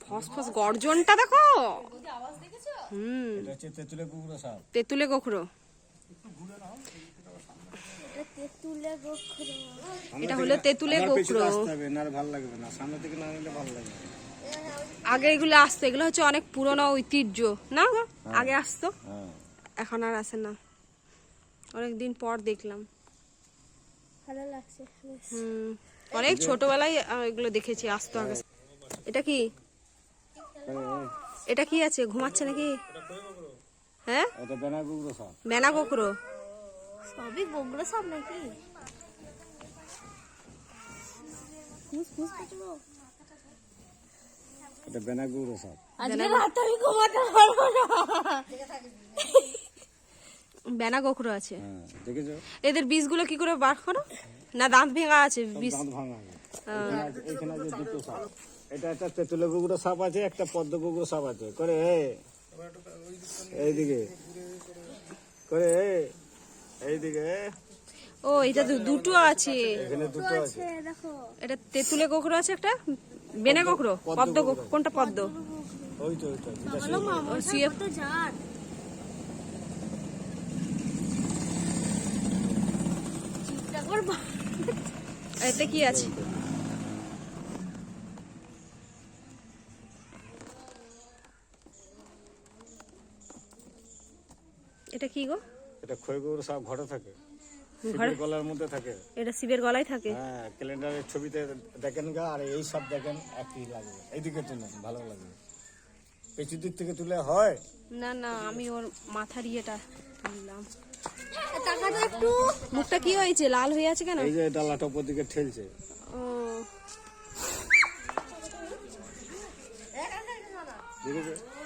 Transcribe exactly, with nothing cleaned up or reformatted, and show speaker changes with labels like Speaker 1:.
Speaker 1: ফসফস গর্জনটা দেখো। হুম, তেঁতুলে গোখরো। এটা হলো তেঁতুলে গোখরো। আগে এগুলো আসতো, এগুলো হচ্ছে অনেক পুরনো ঐতিহ্য না, আগে আসতো, এখন আর আসে না, অনেকদিন পর দেখলাম।
Speaker 2: ভালো লাগছে।
Speaker 1: হুম, অনেক ছোটবেলায় এগুলো দেখেছি, আসতো আগে। এটা কি, এটা কি আছে, ঘুমাচ্ছে নাকি? হ্যাঁ, বেনা গোখরো।
Speaker 2: সবই গোগরা সাপ নাকি?
Speaker 3: এটা বেনাগুড়ো সাপ।
Speaker 2: আজকে রাতে আমি ঘুমাতে পারবো না।
Speaker 1: বেনা গোখরো আছে।
Speaker 3: হ্যাঁ, দেখেছো?
Speaker 1: এদের বীজগুলো কি করে বার করো? না দাঁত ভেঙা আছে বীজ?
Speaker 3: দাঁত ভাঙা আছে। এখানে আছে- এখানে আছে দুটো সাপ। এটা একটা তেঁতুলে গুগড়ো সাপ আছে, একটা পদ্ম গুগড়ো সাপ আছে। করে এ, এইদিকে করে এ, এইদিকে এ।
Speaker 1: ও, এটা তো দুটো আছে।
Speaker 3: এখানে দুটো আছে।
Speaker 2: দেখো
Speaker 1: এটা তেঁতুলে গোখরো আছে, একটা বেনা গোখরো, পদ্ম গোখরো। কোনটা পদ্ম?
Speaker 3: ওই তো ওই তো যেটা
Speaker 2: ভালো মামা
Speaker 1: শুয়ে
Speaker 2: তো জাত। চিপটা কর।
Speaker 1: এতে কি আছে? এটা কি গো?
Speaker 3: এটা খই গুগড়ো সাপ ঘরে থাকে,
Speaker 1: ঘরে?
Speaker 3: শিবের গলার মধ্যে থাকে।
Speaker 1: এটা শিবের গলায় থাকে।
Speaker 3: হ্যাঁ, ক্যালেন্ডারের ছবিতে দেখেন গা, আর এই সব দেখেন একই লাগবে। এইদিকে তুলে ভালো লাগবে, পেছু দিক থেকে তুলে হয়।
Speaker 1: না না, আমি ওর মাথার ইয়েটা তুললাম।
Speaker 2: টাকাটা একটু
Speaker 1: মুখটা কি হয়েছে, লাল হয়ে আছে কেন?
Speaker 3: এই যে ডালাটা উপর দিকে ঠেলছে।
Speaker 1: ও,
Speaker 3: দেখেছো?